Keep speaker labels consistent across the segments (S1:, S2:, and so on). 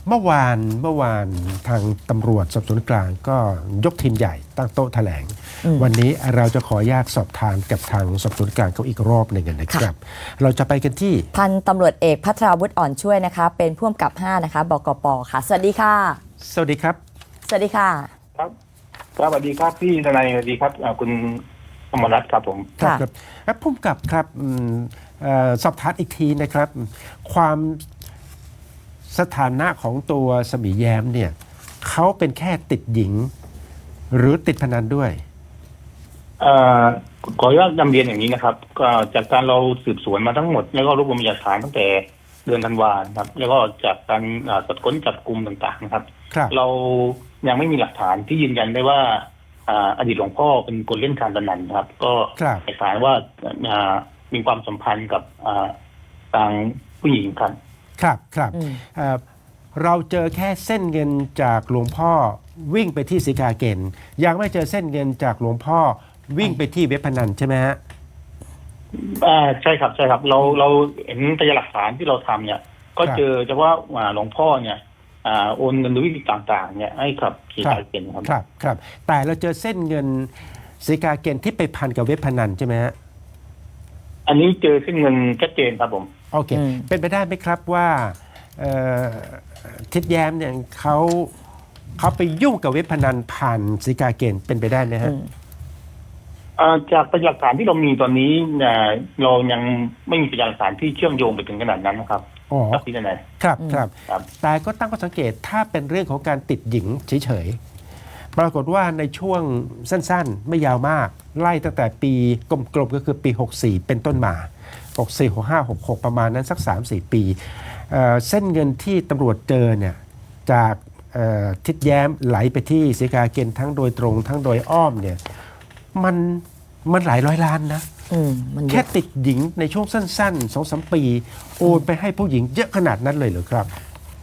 S1: เมื่อวานทางตำรวจสอบสวนกลางก็ยกทีมใหญ่ตั้งโต๊ะแถลงวันนี้เราจะขออนุญาตสอบทานกับทางสอบสวนกลางเขาอีกรอบหนึ่งนะครับเราจะไปกันที่
S2: พันตำรวจเอกภัทราวุฒิอ่อนช่วยนะคะเป็นผู้กำกับ5นะคะบกป.ค่ะสวัสดีค่ะ
S1: สวัสดีครับ
S2: สวัสดีค่ะ
S3: ครับสวัสดีครับพี่ทนายสวัสดีครับคุณอมรรัตน์ครับผม
S1: ครับผู้กำกับครับสอบถามอีกทีนะครับความสถานะของตัวสมีแย้มเนี่ยเขาเป็นแค่ติดหญิงหรือติดพนันด้วย
S3: ขออนุญาตนำเรียนอย่างนี้นะครับก็จากการเราสืบสวนมาทั้งหมดแล้วก็รวบรวมพยานหลักฐานตั้งแต่เดือนธันวาคมครับแล้วก็จากการตรวจค้นจับกลุ่มต่างๆนะครับเรายังไม่มีหลักฐานที่ยืนยันได้ว่าอดีตหลวงพ่อเป็นคนเล่นการพนันครับก็หลักฐานว่ามีความสัมพันธ์กับทางผู้หญิงครับ
S1: ครับเราเจอแค่เส้นเงินจากหลวงพ่อวิ่งไปที่ศรีกาเกณฑ์ยังไม่เจอเส้นเงินจากหลวงพ่อวิ่งไปที่เว็บพนันใช่ไหมฮะ
S3: ใช่ครับเราเห็นพยานหลักฐานที่เราทำเนี่ยก็เจอเฉพาะหลวงพ่อเนี่ยโอนเงินโดยวิธีต่างๆเนี่ยให้กับศรีกาเกณฑ์
S1: ครับแต่เราเจอเส้นเงินศรีกาเกณฑ์ที่ไปพันกับเว็บพนันใช่ไหมฮะ
S3: อันนี้เจอเส้นเงินชัดเจนครับผม
S1: โอเคเป็นไปได้ไหมครับว่าทิดแย้มเนี่ยเขาไปยุ่งกับเว็บพนันผ่านศรีกาเกณฑ์เป็นไปได้ไหมฮะ
S3: จากพยานหลักฐานที่เรามีตอนนี้เรายังไม่มีพยานหลักฐานที่เชื่อมโยงไปถึงขนาดนั้นนะครับ
S1: ครับพี่นายครับแต่ก็ตั้งข้อสังเกตถ้าเป็นเรื่องของการติดหญิงเฉยๆปรากฏว่าในช่วงสั้นๆไม่ยาวมากไล่ตั้งแต่ปีกลมๆก็คือปี64เป็นต้นมา64 65 66ประมาณนั้นสัก 3-4 ปีเส้นเงินที่ตำรวจเจอเนี่ยจากทิดแย้มไหลไปที่ศรีกาเกณฑ์ทั้งโดยตรงทั้งโดยอ้อมเนี่ยมันหลายร้อยล้านนะแค่ติดหญิงในช่วงสั้นๆ 2-3 ปีโอนไปให้ผู้หญิงเยอะขนาดนั้นเลยเหรอครับ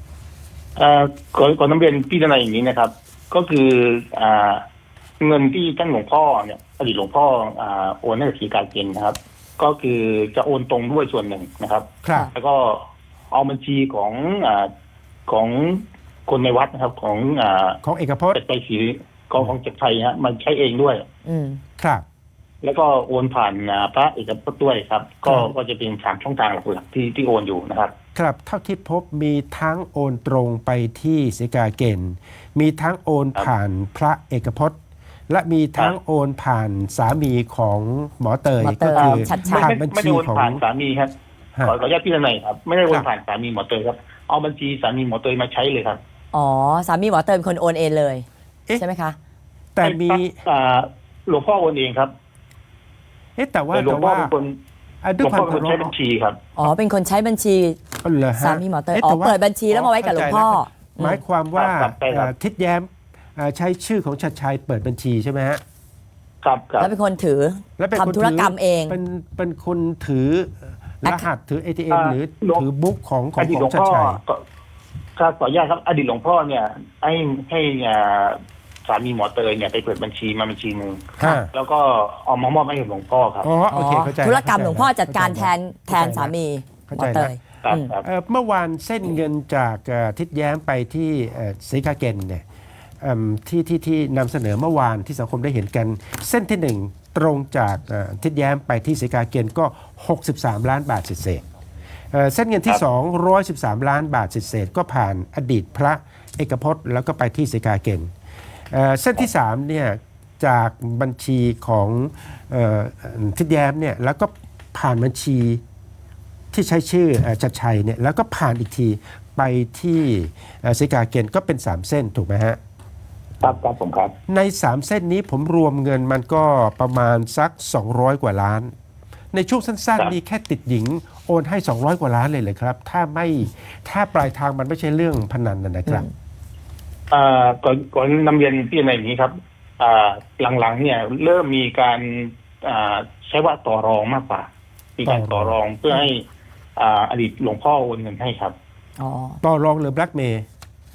S3: ก่อนน้ำเรียนพี่ทนายอย่างนี้นะครับก็คือเงินที่ท่านหลวงพ่อเนี่ยอดีตหลวงพ่อโอนให้กับศรีกาเกณฑ์นะครับก็คือจะโอนตรงด้วยส่วนหนึ่งนะครับแล้วก็เอาบัญชีของคนในวัดนะครับ
S1: ของเอกพจน์
S3: ไปสีของเจ็ดไทยฮะมันใช้เองด้วย
S1: ครับ
S3: แล้วก็โอนผ่านพระเอกพจน์ด้วยครับก็จะเป็น3ช่องทางหลักๆที่โอนอยู่นะครับ
S1: ครับเท่าที่พบมีทั้งโอนตรงไปที่ศรีกาเกณฑ์มีทั้งโอนผ่านพระเอกพจน์และมีทั้งโอนผ่านสามีของหมอเตยก็คือ
S3: ผ่านบัญชีของผ่านสามีครับขออนุญาตพี่ทนายครับไม่ได้โอนผ่านสามีหมอเตยครับเอาบัญชีสามีหมอเตยมาใช้เลยครับ
S2: อ๋อสามีหมอเตยเป็นคนโอนเองเลยใช่ไหมคะ
S1: แต่มี
S3: หลวงพ่อโอนเองครับ
S1: แต่ว่า
S3: หลวงพ่อเป็นคนใช้บัญชีครับ
S2: อ๋อเป็นคนใช้บัญชีสามีหมอเตยเปิดบัญชีแล้วมาไว้กับหลวงพ่อ
S1: หมายความว่าทิดแย้มใช้ชื่อของชัดชัยเปิดบัญชีใช่ไหมฮะ
S3: ครับ
S2: แล้วเป็นคนถือทำธุรกรรมเอง
S1: เป็นคนถือรหัสถือ ATM หรือถือบุ๊กของชัดชัย
S3: ครับขออนุญาตครับอดีตหลวงพ่อเนี่ยให้สามีหมอเตยเนี่ยไปเปิดบัญชีมาบัญชีนึงแล้วก็เอามามอบให้หลวงพ่อครับ
S1: โอเคเข้าใจ
S2: ธุรกรรมหลวงพ่อจัดการแทนสามีหมอเตย
S1: เมื่อวานเส้นเงินจากทิดแย้มไปที่ศรีกาเกณฑ์เนี่ยที่นำเสนอเมื่อวานที่สังคมได้เห็นกันเส้นที่1ตรงจากทิดแย้มไปที่ศรีกาเกณฑ์ก็63ล้านบาทเศษเส้นเงินที่2 113ล้านบาทเศษก็ผ่านอดีตพระเอกพจน์แล้วก็ไปที่ศรีกาเกณฑ์เส้นที่3เนี่ยจากบัญชีของทิดแย้มเนี่ยแล้วก็ผ่านบัญชีที่ใช้ชื่อชัดชัยเนี่ยแล้วก็ผ่านอีกทีไปที่ศรีกาเกณฑ์ก็เป็น3เส้นถูกไหมฮะ
S3: ครับผมครับ
S1: ใน3เส้นนี้ผมรวมเงินมันก็ประมาณสัก200กว่าล้านในช่วงสั้นๆมีแค่ติดหญิงโอนให้200กว่าล้านเลยครับถ้าปลายทางมันไม่ใช่เรื่องพนันนะครับ
S3: ก่อนนำเรียนพี่ในอย่างนี้ครับหลังๆเนี่ยเริ่มมีการใช้ว่าต่อรองมากกว่ามีการต่อรองเพื่อให้อดีตหลวงพ่อโอนเงินให้ครับ
S1: ต่อรองหรือแบล็กเมย์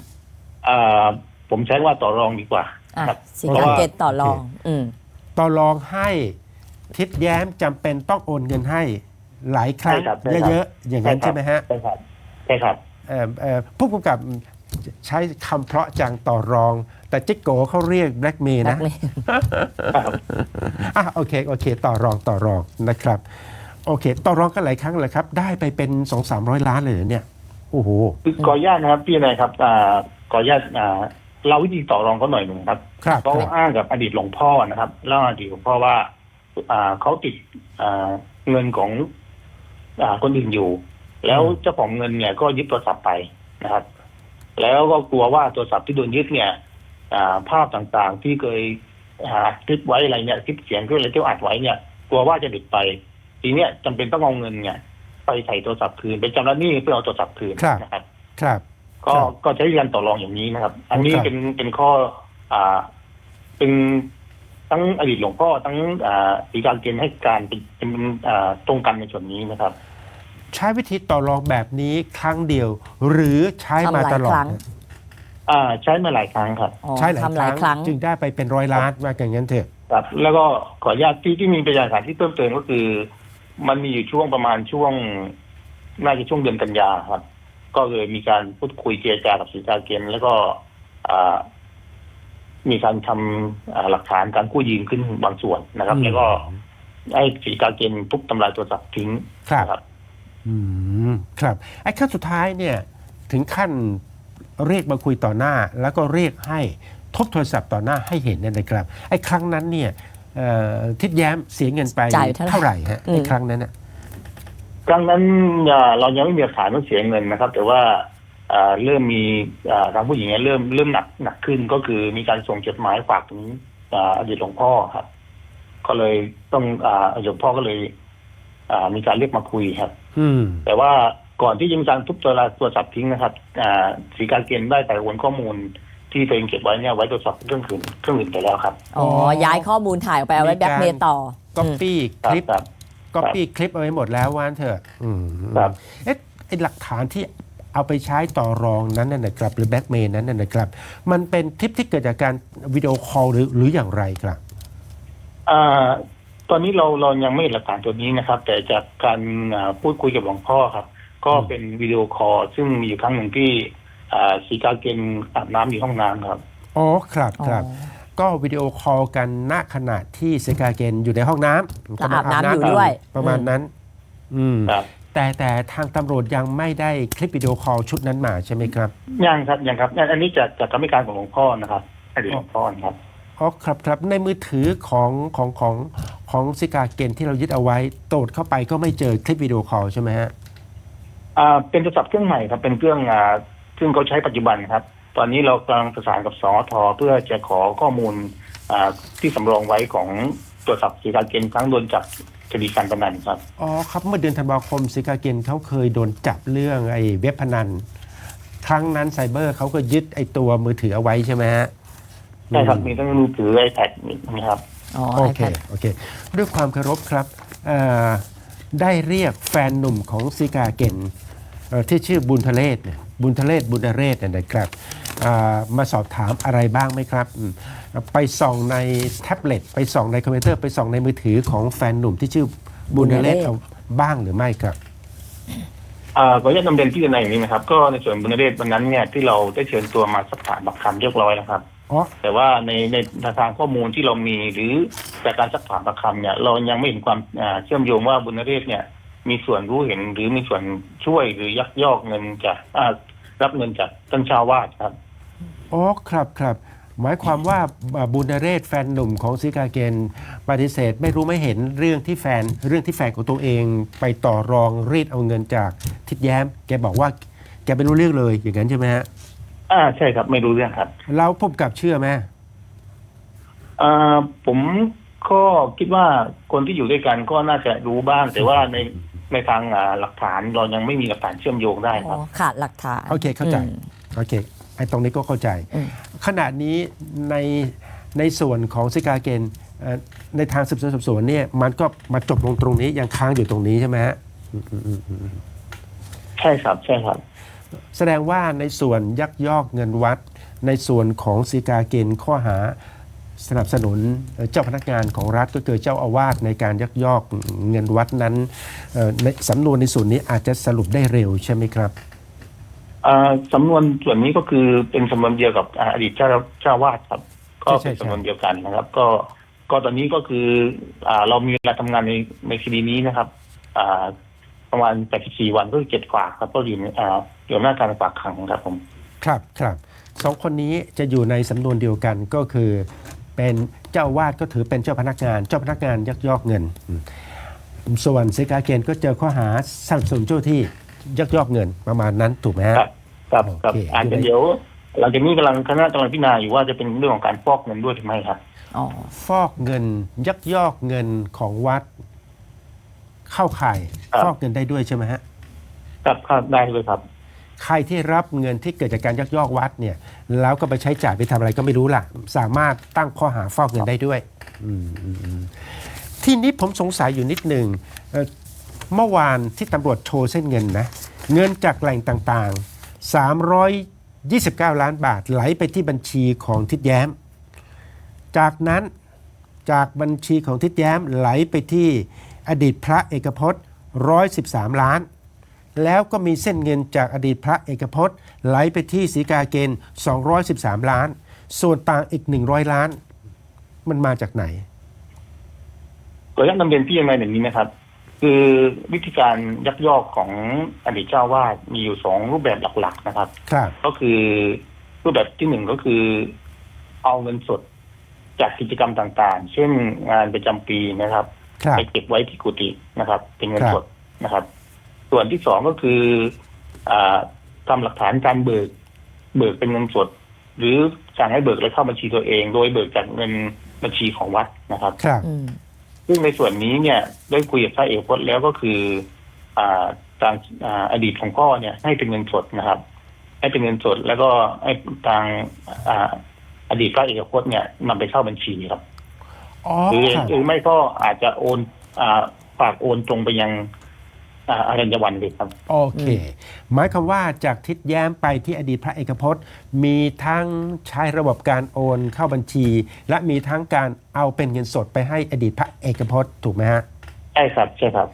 S3: ผมใช้ว่าต่อรองดีกว่า
S2: ศรีกาเกณฑ์ต่อรอง
S1: ต่อรองให้ทิดแย้มจำเป็นต้องโอนเงินให้หลายครั้งเยอะๆอย่างนั้นใช่ไหมฮะ
S3: ใช่ครับ
S1: ผู้กำกับใช้คำเพราะจังต่อรอง แต่จิ๊กโกเขาเรียกแบล็กเมย์นะ โอเคต่อรองนะครับโอเคต่อรองกันหลายครั้งเลยครับได้ไปเป็น 200-300 ล้านเลยเหรอเนี่ยโอ้โห
S3: คือขออนุญาตนะครับพี่นายครับขออนุญาตเราวิธีต่อรองเขาหน่อยหนึ่งครับ
S1: ครับ
S3: เขาอ้างกับอดีตหลวงพ่อนะครับเล่าอดีตหลวงพ่อว่าเขาติดเงินของคนอื่นอยู่ แล้วเจ้าของเงินเนี่ยก็ยึดโทรศัพท์ไปนะครับ แล้วก็กลัวว่าโทรศัพท์ที่โดนยึดเนี่ยภาพต่างๆที่เคยคลิปไว้อะไรเนี่ยคลิปเสียงที่อะไรที่อัดไว้เนี่ยกลัวว่าจะหลุดไปทีเนี้ยจำเป็นต้องเอาเงินเนี่ยไปใส่โทรศัพท์คืนเป็นจำระหนี้เพื่อเอาโทรศัพท์คืนนะครับ
S1: ครับ
S3: ก็ใช้การต่อรองอย่างนี้นะครับ อันนี้เป็นข้อเป็นทั้งอดีตหลวงพ่อทั้งศรีกาเกณฑ์ให้การเป็นตรงกันในส่วนนี้นะครับ
S1: ใช้วิธีต่อรองแบบนี้ครั้งเดียว หรือใช้มาตลอด
S3: ใช้มาหลายครั้งครับ
S1: ใช้หลายครั้งจึงได้ไปเป็น100 ล้านว่าอย่างนั้นเถอะ
S3: ครับ แล้วก็ขออนุญาตที่มีพยานหลักฐานที่เพิ่มเติมก็คือ มันมีอยู่ช่วงประมาณช่วงน่าจะช่วงเดือนกันยาครับ ก็เลยมีการพูดคุยเจรจากับศรีกาเกณฑ์แล้วก็มีการทำหลักฐานการกู้ยืมขึ้นบางส่วนนะครับ แล้วก็ให้ศรีกาเกณฑ์ทุบทำลายโทรศัพท์ทิ้งครับ
S1: ครับไอ้ขั้นสุดท้ายเนี่ยถึงขั้นเรียกมาคุยต่อหน้า แล้วก็เรียกให้ทบโทรศัพท์ต่อหน้าให้เห็นเนี่ยนะครับไอ้ครั้งนั้นเนี่ยทิดแย้มเสียเงินไปเท่าไหร่ฮะไอ้ครั้งนั้นน่ะ
S3: ครั้งนั้นเรายังไม่มีหลักฐานว่าเสียเงินนะครับ แต่ว่าเริ่มมีทางผู้หญิงเริ่มหนักขึ้นก็คือมีการส่งจดหมายฝากถึงอดีตหลวงพ่อครับก็เลยต้องอดีตหลวงพ่อก็เลยมีการเรียกมาคุยครับแต่ว่าก่อนที่จะมีการทุบโทรศัพท์ทิ้งนะครับศรีกาเกณฑ์ได้แต่โอนข้อมูลที่ตัวเองเก็บไว้เนี่ยไว้ตรวจสอบเครื่องอื่นไปแล้วครับ
S2: ย้ายข้อมูลถ่ายออกไปเอาไว้แบล็กเมย์ต่อ
S1: ก๊อปปี้คลิปเอาไว้หมดแล้วว่านเถอะไอ้หลักฐานที่เอาไปใช้ต่อรองนั้นนะครับหรือแบล็กเมย์นั้นนะครับมันเป็นคลิปที่เกิดจากการวิดีโอคอลหรืออย่างไรครับ
S3: ตอนนี้เรายังไม่เห็นหลักฐานตัวนี้นะครับ แต่จากการพูดคุยกับหลวงพ่อครับก็เป็นวิดีโอคอลซึ่งมีอยู่ครั้งหนึ่งที่ศรีกาเกณฑ์อาบน้ำอยู่ห้องน้ำครับ
S1: ครับก็วิดีโอคอลกันณขณะที่ศรีกาเกณฑ์อยู่ในห้องน้ำ
S2: กำลังอาบน้ำอยู่ด้วย
S1: ประมาณนั้นแต่ทางตำรวจยังไม่ได้คลิปวิดีโอคอลชุดนั้นมาใช่ไหมครับ
S3: ยังครับอันนี้จากคำให้การของหลวงพ่อนะครับอดีตหลวงพ่อครับ
S1: ครับในมือถือของศรีกาเกณฑ์ที่เรายึดเอาไว้โตดเข้าไปก็ไม่เจอคลิปวิดีโอคอลใช่ไหมฮะ
S3: เป็นโทรศัพท์เครื่องใหม่ครับเป็นเครื่องซึ่งเขาใช้ปัจจุบันครับตอนนี้เรากำลังประสานกับสอท.เพื่อจะขอข้อมูลที่สำรองไว้ของโทรศัพท์ศรีกาเกณฑ์ครั้งโดนจับคดีการพนันครับ
S1: ครับเมื่อเดือนธันวาคมศรีกาเกณฑ์เขาเคยโดนจับเรื่องไอ้เว็บพนันครั้งนั้นไซเบอร์เขาก็ยึดไอ้ตัวมือถือเอาไว้ใช่ไหมฮะ
S3: ใช่ครับมีทั้งมือถือ iPad นะครับ
S1: โอเคด้วยความเคารพครับได้เรียกแฟนหนุ่มของศรีกาเกณฑ์ที่ชื่อบุญทะเลศนะครับมาสอบถามอะไรบ้างไหมครับไปส่องในแท็บเล็ตไปส่องในคอมพิวเตอร์ไปส่องในมือถือของแฟนหนุ่มที่ชื่อบุญทะเลศเอาบ้างหรือไม่ครับ
S3: ขออนุญาตนำเรียนที่ในอย่างนี้นะครับก็ในส่วนบุญทะเลศวันนั้นเนี่ยที่เราได้เชิญตัวมาสักถามปากคำเรียบร้อยแล้วครับแต่ว่าในทางข้อมูลที่เรามีหรือจากการสักถามปากคำเนี่ยเรายังไม่เห็นความเชื่อมโยงว่าบุญทะเลศเนี่ยมีส่วนรู้เห็นหรือมีส่วนช่วยหรือยักยอกเงินจากรับเงินจากท่านเจ้าวาดครับ
S1: ครับหมายความว่าบุญนเรศแฟนหนุ่มของศรีกาเกณฑ์ปฏิเสธไม่รู้ไม่เห็นเรื่องที่แฟนของตัวเองไปต่อรองรีดเอาเงินจากทิดแย้มแกบอกว่าแกไม่รู้เรื่องเลยอย่างนั้นใช่ไหมฮะ
S3: ใช่ครับไม่รู้เรื่องครับ
S1: แล้วพบกับเชื่อไหม
S3: ผมก็คิดว่าคนที่อยู่ด้วยกันก็น่าจะรู้บ้างแต่ว่าในทางหลักฐานเรายังไม่มีหลักฐานเชื่อมโยงได้ครับ
S2: ขาดหลักฐาน
S1: โอเคเข้าใจไอ้ตรงนี้ก็เข้าใจขณะนี้ในส่วนของศรีกาเกณฑ์ในทางสืบสวนเนี่ยมันก็มาจบลงตรงนี้ยังค้างอยู่ตรงนี้ใช่ไหมฮะ
S3: ใช่ครับ
S1: แสดงว่าในส่วนยักยอกเงินวัดในส่วนของศรีกาเกณฑ์ข้อหาสนับสนุนเจ้าพนักงานของรัฐก็คือเจ้าอาวาสในการยักยอกเงินวัดนั้นในสำนวนในส่วนนี้อาจจะสรุปได้เร็วใช่ไหมครับ
S3: สำนวนส่วนนี้ก็คือเป็นสำนวนเดียวกับอดีตเจ้าวาดครับก็เป็นสำนวนเดียวกันนะครับก็ตอนนี้ก็คือเรามีเวลาทำงานในคดีนี้นะครับประมาณ84วันก็คือ7 ฝากครับก็อยู่ในหน้าการฝากขังครับผม
S1: ครับสองคนนี้จะอยู่ในสำนวนเดียวกันก็คือเป็นเจ้าอาวาสก็ถือเป็นเจ้าพนักงานยักยอกเงินส่วนศรีกาเกณฑ์ก็เจอข้อหาสนับสนุนเจ้าที่ยักยอกเงินประมาณนั้นถูกไหมฮะ
S3: ครับ
S1: โอเค
S3: อาจจะเดี๋ยวหลังจากนี้คณะกำลังพิจารณาอยู่ว่าจะเป็นเรื่องของการฟอกเงินด้วยหรือไม่ครับ
S1: ฟอกเงินยักยอกเงินของวัดเข้าข่ายฟอกเงินได้ด้วยใช่ไหมฮะ
S3: ครับได้เลยครับ
S1: ใครที่รับเงินที่เกิดจากการยักยอกวัดเนี่ยแล้วก็ไปใช้จ่ายไปทำอะไรก็ไม่รู้ล่ะสามารถตั้งข้อหาฟอกเงินได้ด้วยที่นี้ผมสงสัยอยู่นิดหนึ่งเมื่อวานที่ตำรวจโชว์เส้นเงินนะเงินจากแหล่งต่างๆ329 ล้านบาทไหลไปที่บัญชีของทิดแย้มจากนั้นจากบัญชีของทิดแย้มไหลไปที่อดีตพระเอกพจน์113 ล้านแล้วก็มีเส้นเงินจากอดีตพระเอกพจน์ไหลไปที่ศรีกาเกณฑ์213 ล้านส่วนต่างอีก100 ล้านมันมาจากไหน
S3: ก็อยากนำเรียนพี่ยังไงอย่างนี้นะครับคือวิธีการยักยอกของอดีตเจ้าวาดมีอยู่2 รูปแบบหลักๆนะครับก็คือรูปแบบที่1ก็คือเอาเงินสดจากกิจกรรมต่างๆเช่นงานประจำปีนะครับไปเก็บไว้ที่กุฏินะครับเป็นเงินสดนะครับส่วนที่2ก็คือทำหลักฐานการเบิกเป็นเงินสดหรือสั่งให้เบิกแล้วเข้าบัญชีตัวเองโดยเบิกจากเงินบัญชีของวัดนะครับซึ่งในส่วนนี้เนี่ยได้คุยกับพระเอกพจน์แล้วก็คือทางอดีตของพ่อเนี่ยให้เป็นเงินสดนะครับให้เป็นเงินสดแล้วก็ให้ทางอดีตพระเอกพจน์เนี่ยนำไปเข้าบัญชีครับหรือไม่ก็อาจจะโอนฝากโอนตรงไปยังอรัญญวันเลยครับ
S1: โอเคหมายความว่าจากทิศแย้มไปที่อดีตพระเอกพจน์มีทั้งใช้ระบบการโอนเข้าบัญชีและมีทั้งการเอาเป็นเงินสดไปให้อดีตพระเอกพจน์ถูกไหมฮะ
S3: ใช่ครับ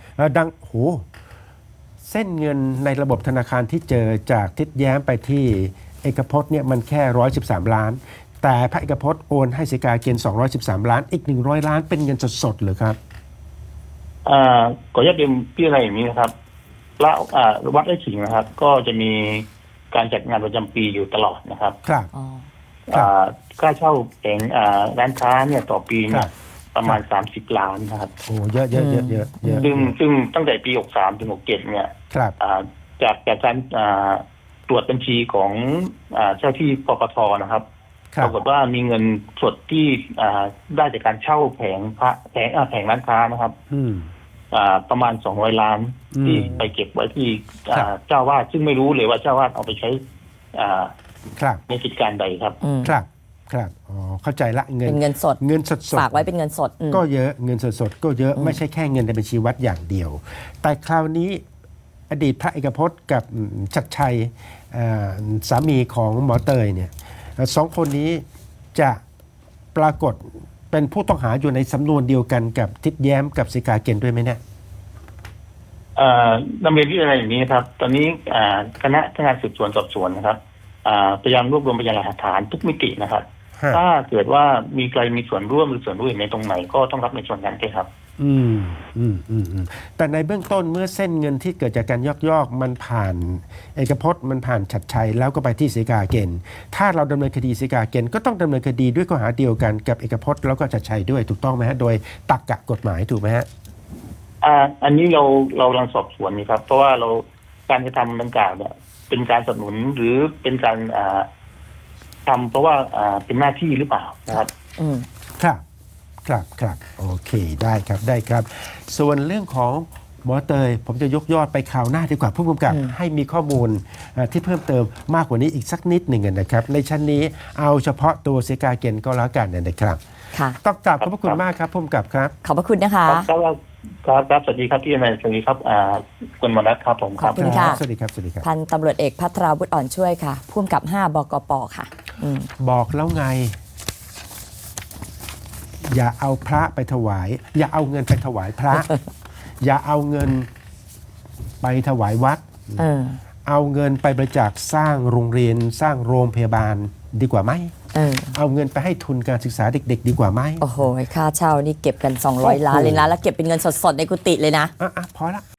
S1: เส้นเงินในระบบธนาคารที่เจอจากทิศแย้มไปที่เอกพจน์เนี่ยมันแค่113 ล้านแต่พระเอกพจน์โอนให้ศรีกาเกณฑ์213 ล้านอีก100 ล้านเป็นเงินสดๆหรือครับ
S3: ขออนุญาตเรียนพี่อะไรอย่างนี้นะครับและวัดไร่ขิงนะครับ ก็จะมีการจัดงานประจำปีอยู่ตลอดนะครับค่าเช่าแผงร้านค้าเนี่ยต่อปีเนี่ยประมาณ30 ล้านนะครับ
S1: โอ้เยอะ
S3: ซึ่งตั้งแต่ปี63 ถึง 67เนี่ยจากการตรวจบัญชีของเจ้าที่ปปทนะครับปรากฏว่ามีเงินสดที่ได้จากการเช่าแผงร้านค้านะครับประมาณ200 ล้านที่ไปเก็บไว้ที่เจ้าวาดซึ่งไม่รู้เลยว่าเจ้าวาดเอาไปใช้ในกิจการใดครับ
S1: อ๋อเข้าใจละ
S2: เงินสดฝากไว้เป็นเงินสด
S1: ก็เยอะเงินสดก็เยอะไม่ใช่แค่เงินในบัญชีวัดอย่างเดียวแต่คราวนี้อดีตพระเอกพจน์กับชัดชัยสามีของหมอเตยเนี่ย2 คนนี้จะปรากฏเป็นผู้ต้องหาอยู่ในสำนวนเดียวกันกับทิศแย้มกับศรีกาเกณฑ์ด้วยไหมเนี่ย
S3: ดำเนินที่อะไรอย่างนี้ครับตอนนี้คณะทำงานสืบสวนสอบสวนนะครับพยายามรวบรวมพยานหลักฐานทุกมิตินะครับถ้าเกิดว่ามีใครมีส่วนร่วมหรือส่วนรู้เห็นในตรงไหนก็ต้องรับในส่วนนั้นด้วยครับ
S1: แต่ในเบื้องต้นเมื่อเส้นเงินที่เกิดจากการยักยอกมันผ่านเอกพจน์มันผ่านชัดชัยแล้วก็ไปที่ศรีกาเกณฑ์ถ้าเราดำเนินคดีศรีกาเกณฑ์ก็ต้องดำเนินคดีด้วยข้อหาเดียวกันกับเอกพจน์แล้วก็ชัดชัยด้วยถูกต้องไหมฮะโดยตรรกะกฎหมายถูกไหมฮะ
S3: อันนี้เรากำลังสอบสวนนี่ครับเพราะว่าเราการกระทำดังกล่าวเนี่ยเป็นการสนับสนุนหรือเป็นการทำเพราะว่าเป็นหน้าที่หรือเปล่านะครับ
S1: ครับโอเคได้ครับส่วนเรื่องของหมอเตยผมจะยกยอดไปข่าวหน้าดีกว่าผู้กำกับให้มีข้อมูลที่เพิ่มเติมมากกว่านี้อีกสักนิดหนึ่งนะครับในชั้นนี้เอาเฉพาะตัวศรีกาเกณฑ์ก็แล้วกันนะครับต้องกราบขอบพระคุณมากครับผู้กำกับครับ
S2: ขอบพระคุณนะคะ
S3: ครับสวัสดีครับพี่นายสวัสดีครับคุณมนัสครับผม
S2: ขอบคุณค่ะ
S1: สวัสดีครับ
S2: พันตำรวจเอกภัทราวุฒิอ่อนช่วยค่ะผู้กำกับ5 บกป.ค่ะ
S1: บอกแล้วไงอย่าเอาพระไปถวายอย่าเอาเงินไปถวายพระ อย่าเอาเงินไปถวายวัดเอาเงินไปบริจาคสร้างโรงเรียนสร้างโรงพยาบาลดีกว่าไหม เอาเงินไปให้ทุนการศึกษาเด็กๆ ดีกว่าไหม
S2: โอ้โหค่าเช่านี่เก็บกัน200 ล้านเลยนะแล้วเก็บเป็นเงินสดๆในกุฏิเลยนะ
S1: พอละ